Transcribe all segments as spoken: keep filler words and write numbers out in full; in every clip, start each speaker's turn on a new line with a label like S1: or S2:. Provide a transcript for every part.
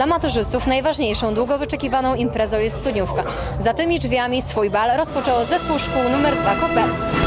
S1: Dla maturzystów najważniejszą, długo wyczekiwaną imprezą jest studniówka. Za tymi drzwiami swój bal rozpoczęło zespół szkół numer dwa Kopel.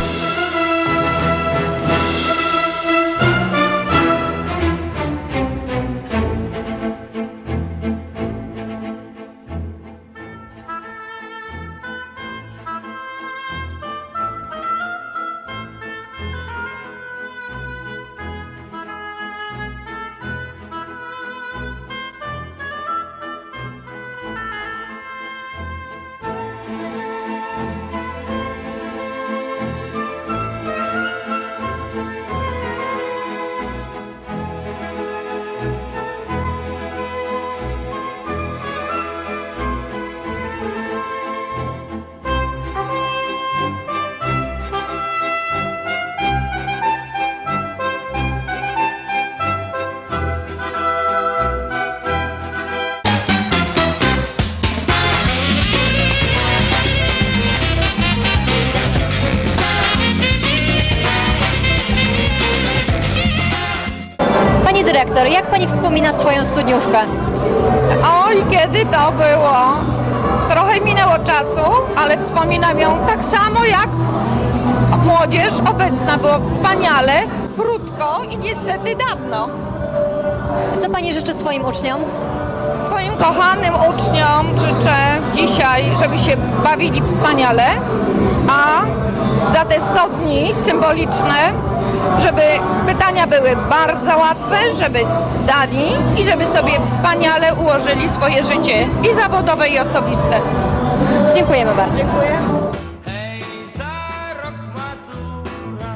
S1: Pani dyrektor, jak pani wspomina swoją studniówkę?
S2: Oj, kiedy to było? Trochę minęło czasu, ale wspominam ją tak samo jak młodzież obecna. Było wspaniale, krótko i niestety dawno.
S1: Co pani życzy swoim uczniom?
S2: Swoim kochanym uczniom życzę dzisiaj, żeby się bawili wspaniale, a za te sto dni symboliczne, żeby pytania były bardzo łatwe, żeby zdali i żeby sobie wspaniale ułożyli swoje życie i zawodowe, i osobiste.
S1: Dziękujemy bardzo.
S2: Dziękuję.
S3: Hej, za rok matura,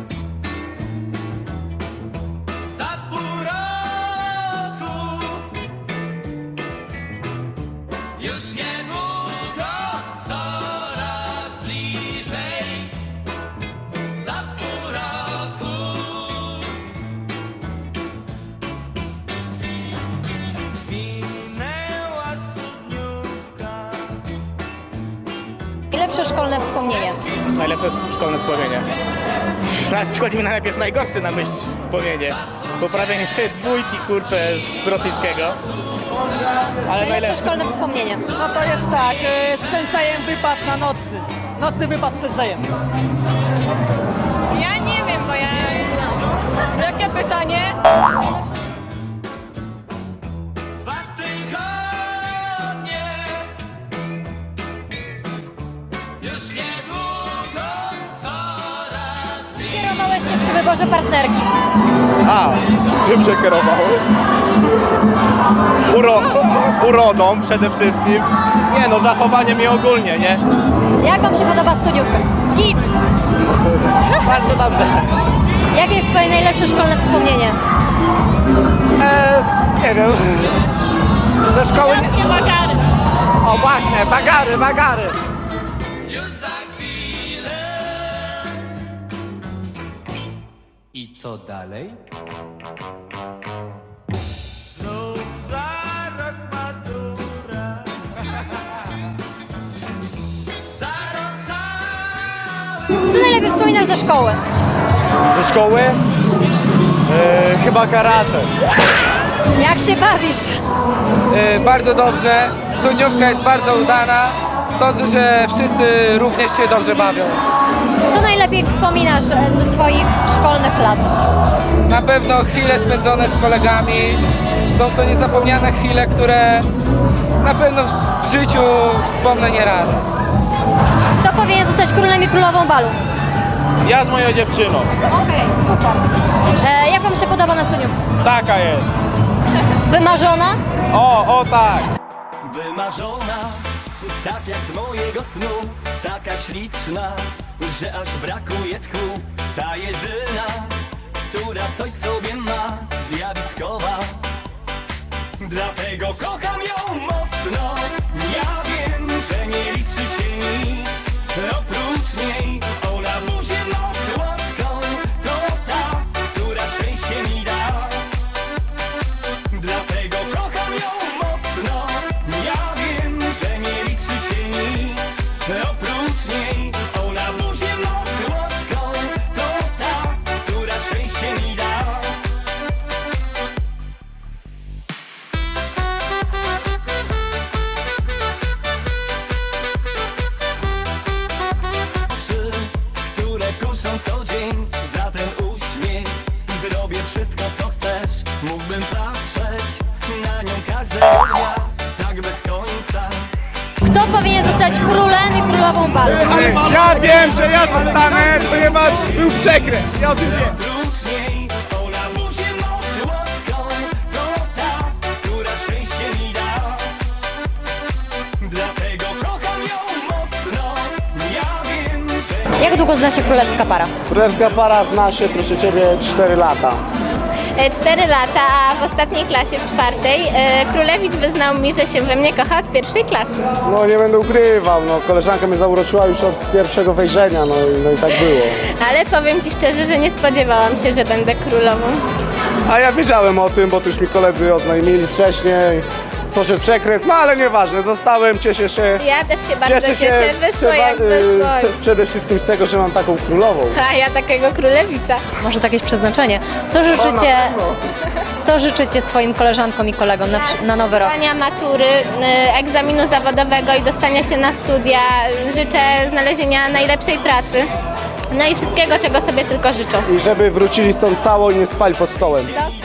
S3: za pół roku, już niedługo, coraz bliżej, za pół roku. Minęła studniówka.
S1: Najlepsze szkolne wspomnienie.
S4: Najlepsze szkolne wspomnienie. Przychodzi mi najpierw najgorsze na myśl wspomnienie. Poprawienie dwójki, kurczę, z rosyjskiego. Ale
S1: Najlepsze
S4: najlepsze.
S1: szkolne wspomnienie.
S5: No to jest tak, e, z sensejem wypad na nocny. Nocny wypad z sensejem.
S2: Ja nie wiem, bo ja...
S1: Jakie pytanie?
S3: Dwa tygodnie, już niedługo, coraz bliżej.
S1: Kierowałeś się przy wyborze partnerki.
S4: A, czym się kierowały? Uro, urodą przede wszystkim. Nie no, zachowanie mnie ogólnie, nie?
S1: Jak wam się podoba studniówka? Git!
S4: Bardzo dobrze.
S1: Jakie jest twoje najlepsze szkolne wspomnienie?
S4: E, nie wiem. Ze szkoły... bagary. O właśnie, bagary, bagary.
S3: Już za chwilę. I co dalej? Znów za rok matura. Za rok cały.
S1: Co najlepiej wspominasz ze szkoły?
S4: Ze szkoły? E, chyba karate.
S1: Jak się bawisz?
S6: E, bardzo dobrze. Studniówka jest bardzo udana. Sądzę, że wszyscy również się dobrze bawią.
S1: Co najlepiej wspominasz e, ze swoich szkolnych lat?
S6: Na pewno chwile spędzone z kolegami. Są to niezapomniane chwile, które na pewno w- w życiu wspomnę nie raz.
S1: Kto powinien zostać królem i królową balu?
S4: Ja z moją dziewczyną.
S1: Okej, super. E, jak wam się podoba na studniówce?
S4: Taka jest.
S1: Wymarzona?
S4: O, o tak.
S3: Wymarzona, tak jak z mojego snu, taka śliczna, że aż brakuje tchu. Ta jedyna, która coś w sobie ma, zjawiskowa. Dlatego kocham ją mocno. Ja wiem, że nie liczy się nic oprócz niej. Ona buzię ma słodką, to ta, która szczęście mi da. Dlatego kocham ją mocno. Ja wiem, że nie liczy się nic oprócz niej. Ona buzię ma słodką, to ta, która szczęście mi da.
S1: powinien zostać królem i królową balu?
S7: Ja wiem, że ja zostanę, ponieważ był przekręt. Ja o tym wiem.
S3: Prócz niej ona burzy moc słodką. To ta, która szczęście mi da. Dlatego kocham ją mocno. Ja wiem, że
S1: Jak długo zna się królewska para?
S7: Królewska para zna się, proszę ciebie, cztery lata.
S8: cztery lata, a w ostatniej klasie, w czwartej, e, Królewicz wyznał mi, że się we mnie kocha od pierwszej klasy.
S7: No nie będę ukrywał, no koleżanka mnie zauroczyła już od pierwszego wejrzenia, no i, no i tak było.
S8: Ale powiem Ci szczerze, że nie spodziewałam się, że będę królową.
S7: A ja wiedziałem o tym, bo tu już mi koledzy oznajmili wcześniej. Poszedł przekręt, no ale nieważne, zostałem, cieszę się.
S8: Ja też się bardzo cieszę, wyszło
S7: przewa-
S8: jak wyszło.
S7: y, Przede wszystkim z tego, że mam taką królową.
S8: A ja takiego Królewicza.
S1: Może to jakieś przeznaczenie. Co życzycie, co życzycie swoim koleżankom i kolegom na, przy- na nowy rok?
S8: Zdania matury, y, egzaminu zawodowego i dostania się na studia. Życzę znalezienia najlepszej pracy. No i wszystkiego, czego sobie tylko życzą.
S7: I żeby wrócili stąd cało i nie spali pod stołem.
S8: Dokładnie.